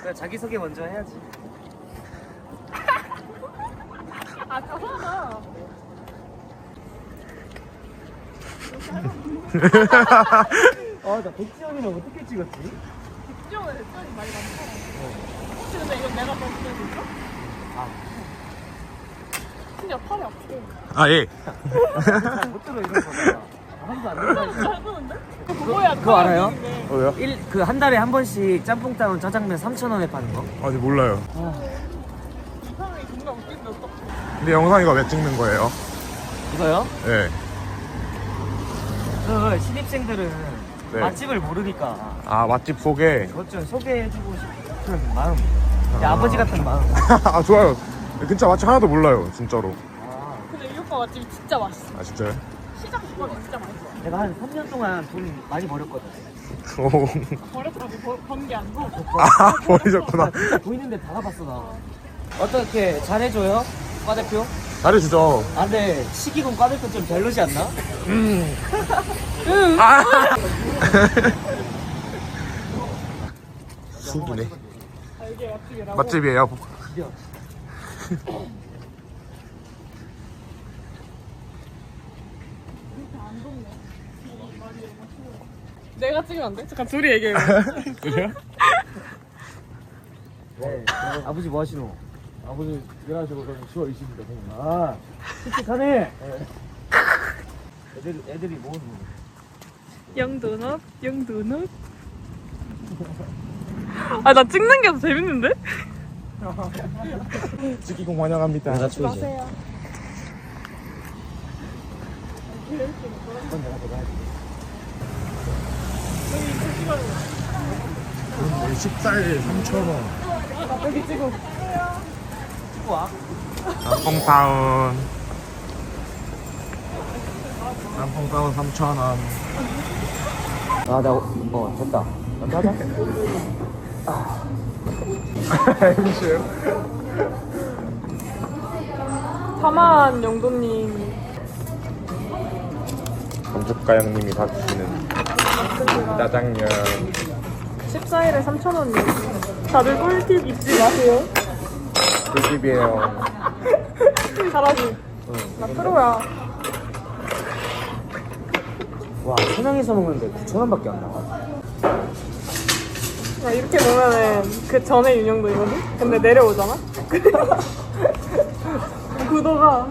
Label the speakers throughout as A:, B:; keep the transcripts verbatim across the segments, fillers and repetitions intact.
A: 그래, 자기소개 먼저 해야지.
B: 아, 저거다.
A: 아, 나 백지영이랑 어떻게 찍었지?
B: 백지영은 백지영이 많이 많잖아. 혹시 근데 이건 내가 더 찍어줄까?
A: 아.
B: 진짜 팔이 아프게.
C: 아 예.
A: 못 들어, 이런 거다. 한도 안 들어.
B: 잘 보는데? 그거야.
A: 그거 알아요?
C: 뭐요?
A: 그 한 달에 한 번씩 짬뽕 따운 짜장면 삼천 원에 파는 거?
C: 아직 몰라요.
B: 이 사람이 존나 웃긴데 어떡해.
C: 근데 영상 이거 왜 찍는 거예요?
A: 이거요?
C: 네.
A: 그 신입생들은
C: 네.
A: 맛집을 모르니까
C: 아 맛집 소개.
A: 그것 좀 소개해주고 싶은 마음. 야,
C: 아.
A: 아버지 같은 마음.
C: 아 좋아요. 근처 맛집 하나도 몰라요 진짜로.
A: 아,
B: 근데 이 오빠 맛집이 진짜 맛있어.
C: 아 진짜요?
B: 시장 주방이 진짜 맛있어.
A: 내가 한 삼 년 동안 돈 많이 벌었거든.
C: 오.
B: 버렸더라고. 번 게 아니고.
C: 아 버리셨구나.
A: 진짜 보이는데 다 가봤어 나. 어떻게 잘해줘요? 과대표?
C: 잘해주죠.
A: 아 근데 시기군 과대표 좀 별로지 않나?
C: 음. 아. 신기네.
B: 아, 이게 맛집이라고?
C: 맛집이에요.
A: 그려.
B: 내가 찍으면 안 돼? 잠깐 둘이 얘기해.
C: 그래요?
A: 네. 아버지 뭐 하시노? 아버지 일하시고 저는 쉬어 있습니다. 아, 씩씩하네. 애들 애들이 뭐 하는 거야?
B: 영도넛, 영도넛. 아, 나 찍는 게 더 재밌는데?
C: 찍기공 환영합니다.
A: 여자친구지.
B: 마세요.
A: 그건 내가 내가 해줄게.
C: 식사에 삼천 원.
B: 여기 찍어.
A: 찍고 와.
C: 남풍타운. 남풍타운 삼천 원.
A: 아, 나, 어, 됐다. 먼저 하자. 아.
B: 사만 영도님.
C: 건축가 형님이 사주시는 짜장면.
B: 십사 일에 삼천 원이요. 다들 꿀팁 잊지 마세요.
C: 꿀팁이에요.
B: 잘하지?
A: 응.
B: 나 프로야.
A: 와, 세 명이서 먹는데 구천 원밖에 안 나와.
B: 야, 이렇게 보면은 그 전에 윤영도이거든? 근데 내려오잖아? 구도가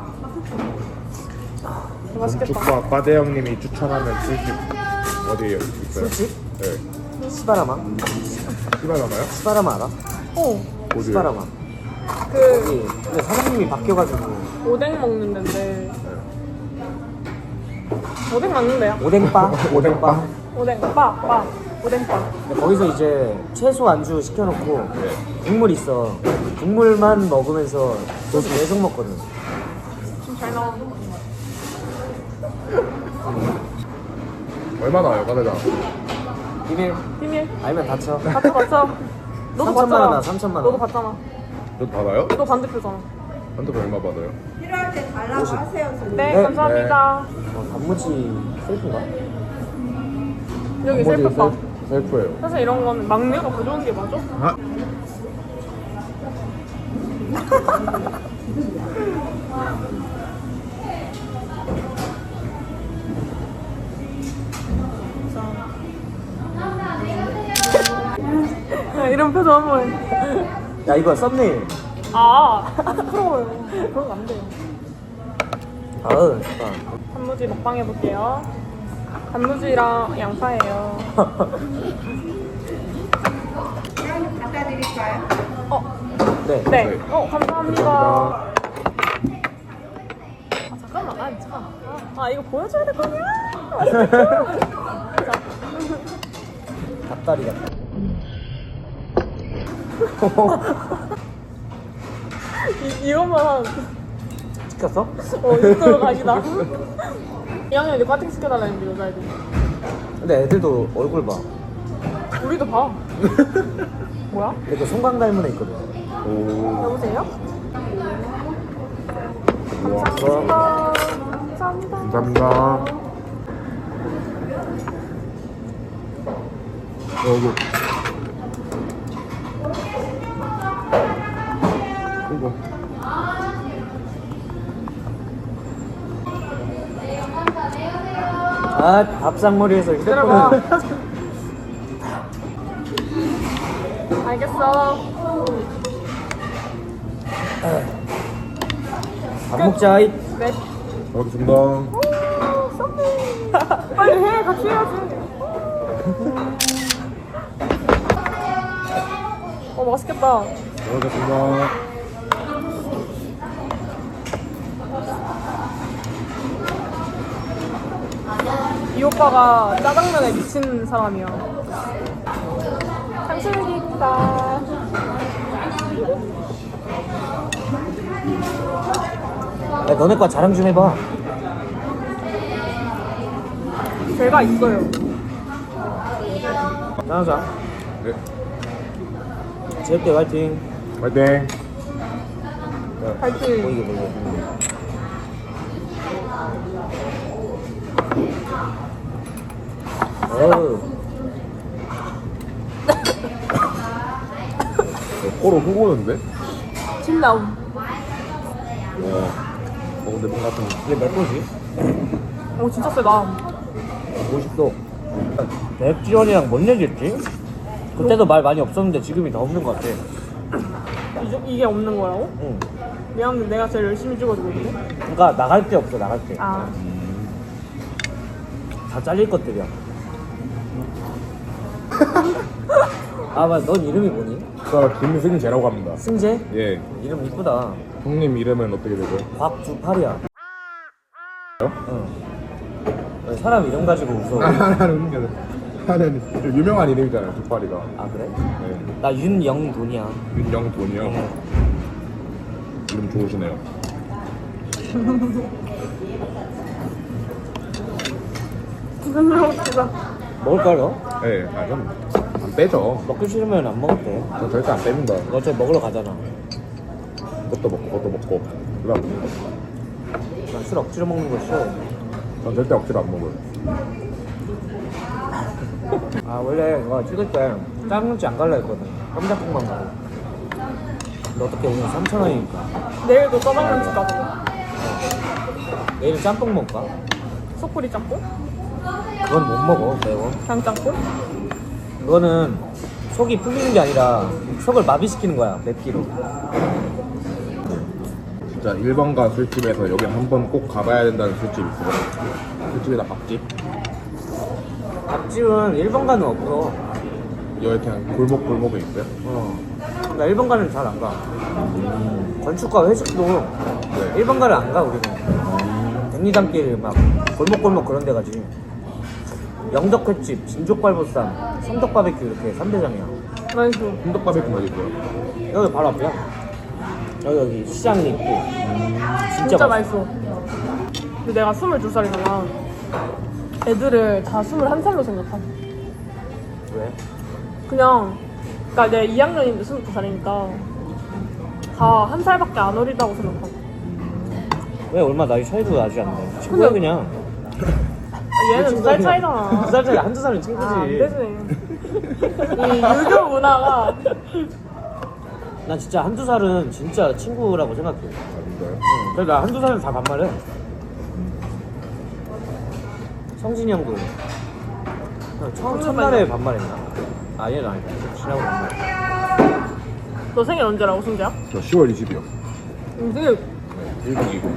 B: 맛있겠다.
C: 건축가 과대 형님이 추천하는 술집 어디에요? 있어요?
A: 술집?
C: 네.
A: 시바라마?
C: 시바라마요?
A: 시바라마 알아?
B: 어,
C: 어디요?
A: 시바라마.
B: 그
A: 여기 근데 사장님이 바뀌어가지고
B: 오뎅 먹는 데인데 오뎅 맞는 데야?
A: 오뎅바? 오뎅바?
B: 오뎅, 빠, 빠, 오뎅빠.
A: 근데 거기서 이제 채소 안주 시켜놓고
C: 네.
A: 국물 있어. 국물만 먹으면서 소스 계속 먹거든.
B: 지금 잘 나와.
C: 얼마 나와요, 과대장?
A: 비밀
B: 비밀.
A: 알면 다쳐.
B: 같이 봤어. 너도
A: 삼천만
B: 봤잖아.
A: 원이야, 삼천만 원.
B: 너도 봤잖아.
C: 너 받아요?
B: 너 반대표잖아.
C: 한테 얼마 받아요?
D: 필요할 때 달라고 하세요.
B: 네,
A: 네,
B: 감사합니다.
A: 어, 단무지 셀프인가?
B: 여기
A: 단무지
B: 셀프바.
A: 셀프.
C: 셀프예요.
B: 사실 이런 거는 막내가 가져오는 게 맞아?
C: 아?
B: 야, 이런 표정 한번 해.
A: 야, 이거 썸네일.
B: 아, 부끄러워요. 그런 거 안 돼요.
A: 아으, 좋다.
B: 단무지 먹방 해볼게요. 단무지랑 양파예요.
D: 갖다 드릴까요?
B: 어,
A: 네.
B: 네.
C: 네.
B: 어, 감사합니다. 아, 잠깐만. 아, 잠깐. 아, 아, 이거 보여줘야 될 거냐? 자,
A: 닭다리 같다.
B: 이, 이것만 한,
A: 시켰어?
B: 어, 이쪽으로 가시다. 이 학년이 과팅 시켜달라는데, 여자애들.
A: 근데 애들도 얼굴 봐.
B: 우리도 봐. 뭐야?
A: 근데 그 송강 닮은 애 있거든.
C: 오.
B: 여보세요?
C: 우와.
B: 감사합니다. 감사합니다.
C: 감사합니다. 어구. 아이고.
A: 아 밥상머리에서
B: 기다려봐.
A: 휴대폰을
B: 알겠어.
A: 밥 먹자. 이.
B: 네.
C: 잘 먹겠습니다.
B: 빨리 해. 같이 해야지. 어 맛있겠다.
C: 잘 먹겠습니다.
B: 이 오빠가 짜장면에 미친 사람이야. 탕수육이다.
A: 야, 너네 과 자랑 좀 해봐.
B: 제가 있어요.
A: 나가자.
C: 네.
A: 재밌게 화이팅.
C: 화이팅.
B: 파이팅.
A: 보이게 보이게. 어우.
C: 코로 훅 오는데?
B: 침 나옴.
C: 어. 어 근데 뭔가 좀
A: 이게 몇 도지?
B: 오 진짜 세다.
A: 오십 도. 백지원이랑 뭔 얘기했지? 그때도 말 많이 없었는데 지금이 더 없는 것 같아.
B: 이, 이게 없는 거라고?
A: 응.
B: 미안한데 내가 제일 열심히 찍어주고 있는데?
A: 그러니까 나갈 때 없어 나갈 때.
B: 아
A: 다 잘릴 것들이야. 아 맞아. 넌 이름이 뭐니?
C: 저 김승재라고 합니다.
A: 승재?
C: 예.
A: 이름 이쁘다.
C: 형님 이름은 어떻게 되죠?
A: 곽주팔이야. 응. 왜 사람 이름 가지고 웃어.
C: 하나는 게 하나는 좀 유명한 이름이잖아요. 두파리가.
A: 아 그래?
C: 네.
A: 나 윤영돈이야.
C: 윤영돈이요.
A: 네.
C: 이름 좋으시네요.
B: 부끄러웠다.
A: 먹을 거야?
C: 예. 아 형. 안 빼죠.
A: 먹기 싫으면 안 먹을게.
C: 저 절대 안 뺍니다.
A: 너 어차피 먹으러 가잖아.
C: 그것도 먹고 그것도 먹고. 그다음
A: 난 술 억지로 먹는 거 싫어.
C: 전 절대 억지로 안 먹어요.
A: 아 원래 이거 찍을 때 짱눈치 안 갈라 했거든. 깜짝국만 가고. 근데 어떻게 오늘 삼천 원이니까.
B: 내일도 짜장면 집 가자고.
A: 내일은 짬뽕 먹을까?
B: 소쿠리 짬뽕?
A: 그건 못 먹어 매워.
B: 그냥 짬뽕?
A: 그거는 속이 풀리는 게 아니라 속을 마비시키는 거야 맵기로.
C: 진짜 일 번가 술집에서 여기 한 번 꼭 가봐야 된다는 술집 있어요. 술집이나 밥집.
A: 밥집은 일 번가는 없어.
C: 여기 그냥 골목 골목에 있어요.
A: 어. 나 일 번가는 잘 안 가. 건축과 회식도
C: 네.
A: 일 번가를 안 가 우리는. 백리단길 막 골목골목 그런 데 가지. 영덕횟집, 진족발보쌈, 성덕바베큐 이렇게 삼 대장이야.
B: 맛있어.
C: 순덕 바베큐 어디 있어요?
A: 여기 바로 앞이야. 여기 여기 시장 있고. 진짜,
B: 진짜
A: 맛있어.
B: 맛있어. 근데 내가 스물두 살이잖아. 애들을 다 스물한 살로 생각하지.
A: 왜?
B: 그냥, 그니까 내 이 학년인데 스물두 살이니까 다 한 살밖에 안 어리다고 생각하고.
A: 왜 얼마 나이 차이도 나지 않네. 친구야
B: 근데-
A: 그냥.
B: 아, 얘는 두 살 차이잖아.
A: 두 살 차이 한두 살은 친구지.
B: 아, 안 되지. 이 유교 문화가
A: 난 진짜 한두 살은 진짜 친구라고 생각해. 응.
C: 아닌가요?
A: 그래서 나 한두 살은 다 반말해. 성진이 형도 처음 첫날에 반말했나? 아 얘는 아니다. 지나고 반말.
B: 너 생일 언제라고 순재야?
C: 저 시월 이십이요.
B: 응, 생일
C: 네, 일박 이일.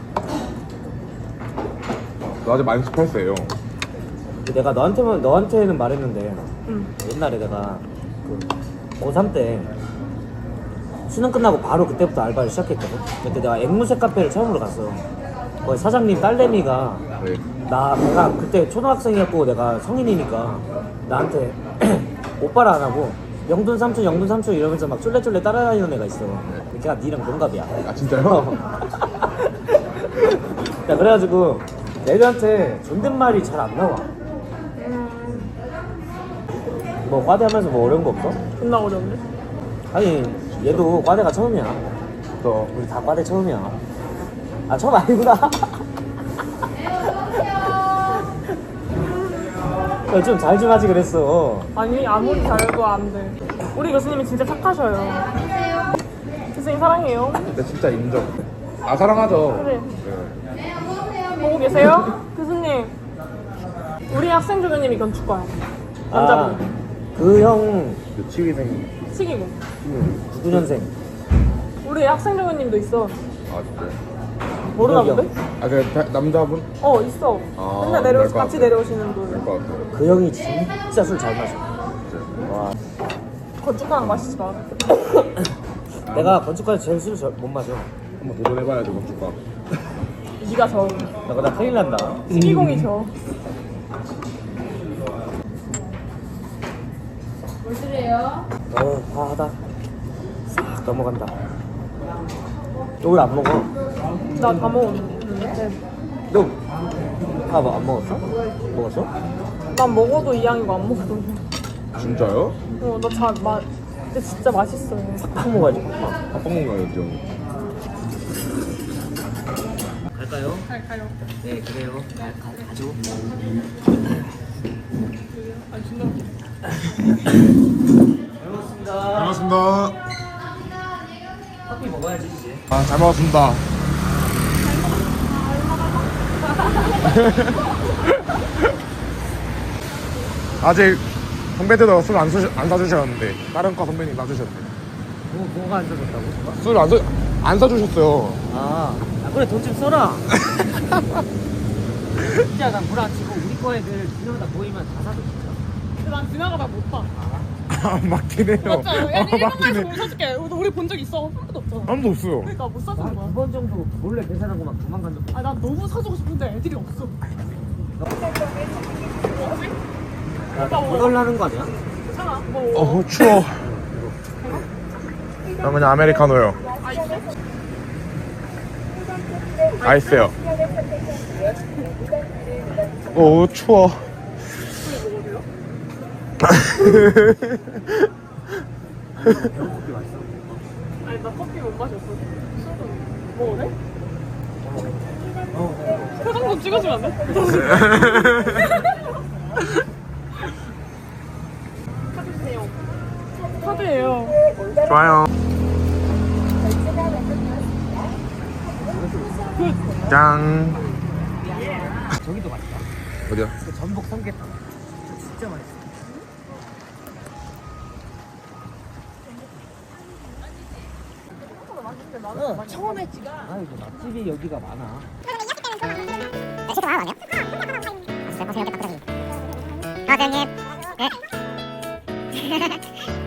C: 너 아직 만 열여덟 세예요.
A: 내가 너한테만 너한테는 말했는데
B: 응.
A: 옛날에 내가 그 고삼 때 수능 끝나고 바로 그때부터 알바를 시작했거든. 그때 내가 앵무새 카페를 처음으로 갔어. 거기 사장님 딸내미가
C: 네.
A: 나 내가 그때 초등학생이었고 내가 성인이니까 나한테 오빠를 안 하고 영돈 삼촌 영돈 삼촌 이러면서 막 쫄래쫄래 따라다니는 애가 있어. 걔가 니랑 동갑이야.
C: 아 진짜요?
A: 야 그래가지고 애들한테 존댓말이 잘 안 나와. 뭐 과대하면서 뭐 어려운 거 없어?
B: 존나 어려운데?
A: 아니 얘도 과대가 처음이야.
C: 저
A: 우리 다 과대 처음이야. 아 처음 아니구나. 좀 잘 좀 하지 그랬어.
B: 아니 아무리 잘해도 안 돼. 우리 교수님이 진짜 착하셔요. 교수님 사랑해요.
C: 근데 진짜 인정. 아 사랑하죠.
B: 그래.
C: 네.
B: 보고 계세요? 교수님. 우리 학생 조교님이 건축과야. 남자분.
A: 아그형
C: 그 치위생.
B: 시기고.
A: 구구 년생
B: 우리 학생 조교님도 있어.
C: 아 진짜.
B: 모르나
A: 기억이요.
B: 본데?
C: 아그 남자분?
B: 어 있어.
C: 아,
B: 맨날 내려
C: 그럴 것
B: 같이
C: 같아.
B: 내려오시는 분.
C: 될것 같아요.
A: 그 형이 진짜 술 잘 마셔. 와
B: 건축과랑 마시지 마.
A: 내가 건축과에서 제일 술을 못 마셔.
C: 한번 도전해봐야지 건축과.
B: 네가 저
A: 나 그러다 큰일 난다.
B: 시기공이 저.
A: 어 과하다. 싹 넘어간다. 너 왜 안 먹어?
B: 나 다 먹었는데.
A: 너밥안 먹었어? 먹었어?
B: 난 먹어도 이양이고 안 먹어도.
C: 진짜요?
B: 어, 나 잘 마. 근데 진짜 맛있어요.
A: 팍 먹어야지.
C: 밥 먹는 거였죠.
A: 갈까요?
B: 잘 가요.
A: 네 그래요. 가, 가, 가죠.
B: 아 진짜.
A: 잘 먹었습니다.
C: 반갑습니다.
A: 커피 먹어야지 이제.
C: 아 잘 먹었습니다. 아직 선배들도 술 안 안 사주셨는데 다른 과 선배님 사주셨네.
A: 뭐 뭐가 안 사줬다고?
C: 술 안 안 사주셨어요.
A: 아, 아 그래 돈 좀 써라. 진짜 난 물 안 치고 우리 거 애들 두명다 모이면 다 사줘 진짜.
B: 근데 난 지나가다 못 봐.
C: 아 맞긴 해요.
B: 맞죠?
C: 아,
B: 얘는 일본
C: 맞긴
B: 말에서
C: 해.
B: 못 사줄게. 우리 본 적 있어. 한 번도 없잖아.
C: 아무도 없어요.
B: 그러니까 못 사주는 거야.
A: 두 번 정도 몰래 계산하고 막 도망간 적.
B: 아, 난 너무 사주고 싶은데 애들이 없어.
A: 야, 거덜나는 거 아니야?
B: 괜찮아. 뭐.
C: 어 추워. 난 그냥 아메리카노요. 아이스요. 오 추워.
B: 아니, 나 커피 못 마셨어. 술도 먹어래? 표정 좀 찍어주면 안 돼? 카드 주세요. 카드예요.
C: 좋아요. 짠.
A: 저기도 맛있다.
C: 어디야?
A: 그 전복 삼계탕. 저 진짜 맛있어. 응, 처음에 찍어. 아이고 맛집이 여기가 많아.
E: 과장님, 네.